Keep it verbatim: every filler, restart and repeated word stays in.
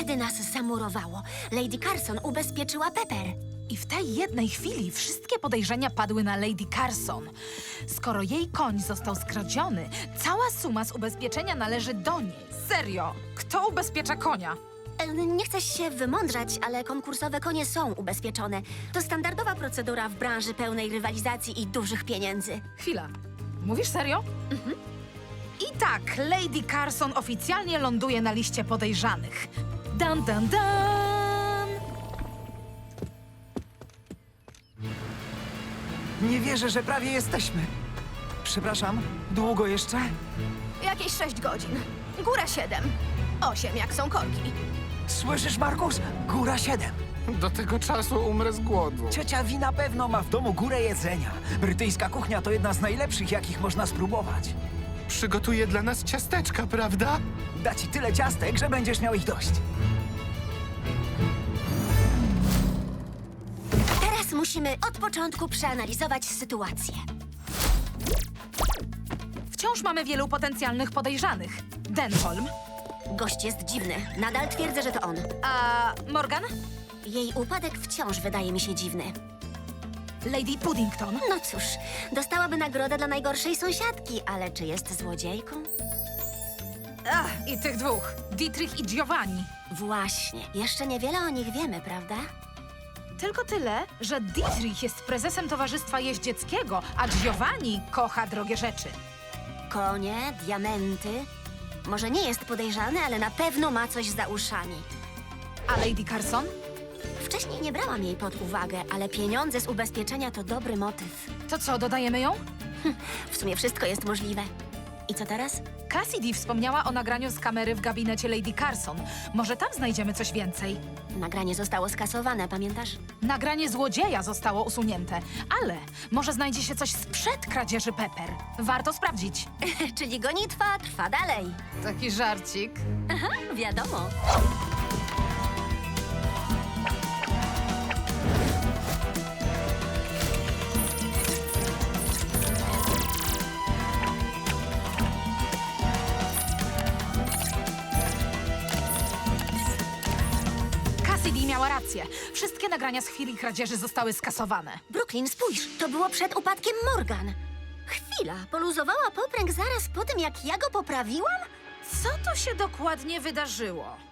Wtedy nas zamurowało. Lady Carson ubezpieczyła Pepper. I w tej jednej chwili wszystkie podejrzenia padły na Lady Carson. Skoro jej koń został skradziony, cała suma z ubezpieczenia należy do niej. Serio? Kto ubezpiecza konia? E, Nie chcę się wymądrzać, ale konkursowe konie są ubezpieczone. To standardowa procedura w branży pełnej rywalizacji i dużych pieniędzy. Chwila. Mówisz serio? Mhm. I tak, Lady Carson oficjalnie ląduje na liście podejrzanych. Dan, dan, dan! Nie wierzę, że prawie jesteśmy. Przepraszam, długo jeszcze? Jakieś sześć godzin. Góra siedem. Osiem, jak są korki. Słyszysz, Markus? Góra siedem. Do tego czasu umrę z głodu. Ciocia Wi na pewno ma w domu górę jedzenia. Brytyjska kuchnia to jedna z najlepszych, jakich można spróbować. Przygotuje dla nas ciasteczka, prawda? Da ci tyle ciastek, że będziesz miał ich dość. Teraz musimy od początku przeanalizować sytuację. Wciąż mamy wielu potencjalnych podejrzanych. Denholm. Gość jest dziwny. Nadal twierdzę, że to on. A Morgan? Jej upadek wciąż wydaje mi się dziwny. Lady Puddington. No cóż, dostałaby nagrodę dla najgorszej sąsiadki, ale czy jest złodziejką? Ach, i tych dwóch. Dietrich i Giovanni. Właśnie. Jeszcze niewiele o nich wiemy, prawda? Tylko tyle, że Dietrich jest prezesem Towarzystwa Jeździeckiego, a Giovanni kocha drogie rzeczy. Konie, diamenty. Może nie jest podejrzany, ale na pewno ma coś za uszami. A Lady Carson? Wcześniej nie brałam jej pod uwagę, ale pieniądze z ubezpieczenia to dobry motyw. To co, dodajemy ją? W sumie wszystko jest możliwe. I co teraz? Cassidy wspomniała o nagraniu z kamery w gabinecie Lady Carson. Może tam znajdziemy coś więcej. Nagranie zostało skasowane, pamiętasz? Nagranie złodzieja zostało usunięte, ale może znajdzie się coś sprzed kradzieży Pepper. Warto sprawdzić. Czyli gonitwa trwa dalej. Taki żarcik. Wiadomo. Cassidy miała rację. Wszystkie nagrania z chwili kradzieży zostały skasowane. Brooklyn, spójrz, to było przed upadkiem Morgan. Chwila, poluzowała popręg zaraz po tym, jak ja go poprawiłam? Co tu się dokładnie wydarzyło?